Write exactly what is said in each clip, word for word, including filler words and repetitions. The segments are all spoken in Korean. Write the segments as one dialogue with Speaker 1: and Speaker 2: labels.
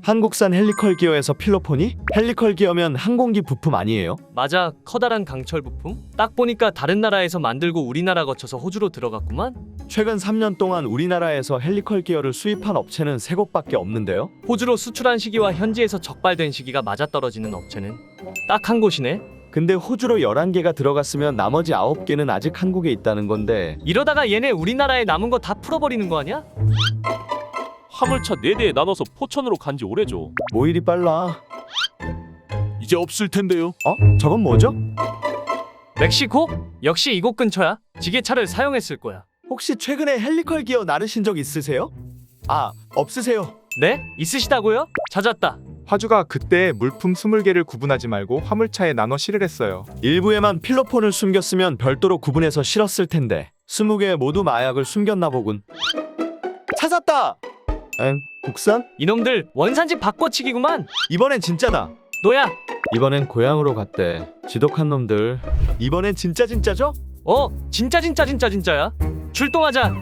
Speaker 1: 한국산 헬리컬 기어에서 필로폰이? 헬리컬 기어면 항공기 부품 아니에요?
Speaker 2: 맞아, 커다란 강철 부품? 딱 보니까 다른 나라에서 만들고 우리나라 거쳐서 호주로 들어갔구만?
Speaker 1: 최근 삼 년 동안 우리나라에서 헬리컬 기어를 수입한 업체는 세 곳밖에 없는데요?
Speaker 2: 호주로 수출한 시기와 현지에서 적발된 시기가 맞아떨어지는 업체는 딱 한 곳이네?
Speaker 1: 근데 호주로 열한 개가 들어갔으면 나머지 아홉 개는 아직 한국에 있다는 건데
Speaker 2: 이러다가 얘네 우리나라에 남은 거 다 풀어버리는 거 아니야?
Speaker 3: 화물차 네 대에 나눠서 포천으로 간지 오래죠.
Speaker 1: 뭐 이리 빨라?
Speaker 4: 이제 없을 텐데요.
Speaker 1: 어? 저건 뭐죠?
Speaker 2: 멕시코? 역시 이곳 근처야. 지게차를 사용했을 거야.
Speaker 1: 혹시 최근에 헬리컬 기어 나르신 적 있으세요? 아, 없으세요.
Speaker 2: 네? 있으시다고요? 찾았다.
Speaker 5: 화주가 그때 물품 스물 개를 구분하지 말고 화물차에 나눠 실을 했어요.
Speaker 1: 일부에만 필로폰을 숨겼으면 별도로 구분해서 실었을 텐데 스무 개 모두 마약을 숨겼나 보군. 찾았다! 엥? 국산?
Speaker 2: 이놈들 원산지 바꿔치기구만.
Speaker 1: 이번엔 진짜다.
Speaker 2: 너야.
Speaker 1: 이번엔 고향으로 갔대. 지독한 놈들. 이번엔 진짜 진짜죠?
Speaker 2: 어, 진짜 진짜 진짜 진짜야. 출동하자.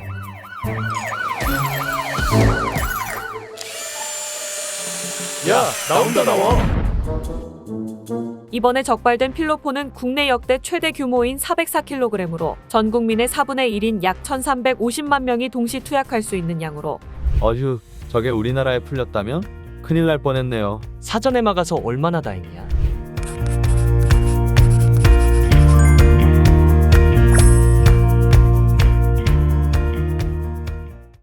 Speaker 1: 야, 나온다 나와.
Speaker 6: 이번에 적발된 필로폰은 국내 역대 최대 규모인 사백사 킬로그램으로 전 국민의 사분의 일인 약 천삼백오십만 명이 동시 투약할 수 있는 양으로
Speaker 1: 어휴, 저게 우리나라에 풀렸다면? 큰일 날 뻔했네요.
Speaker 2: 사전에 막아서 얼마나 다행이야.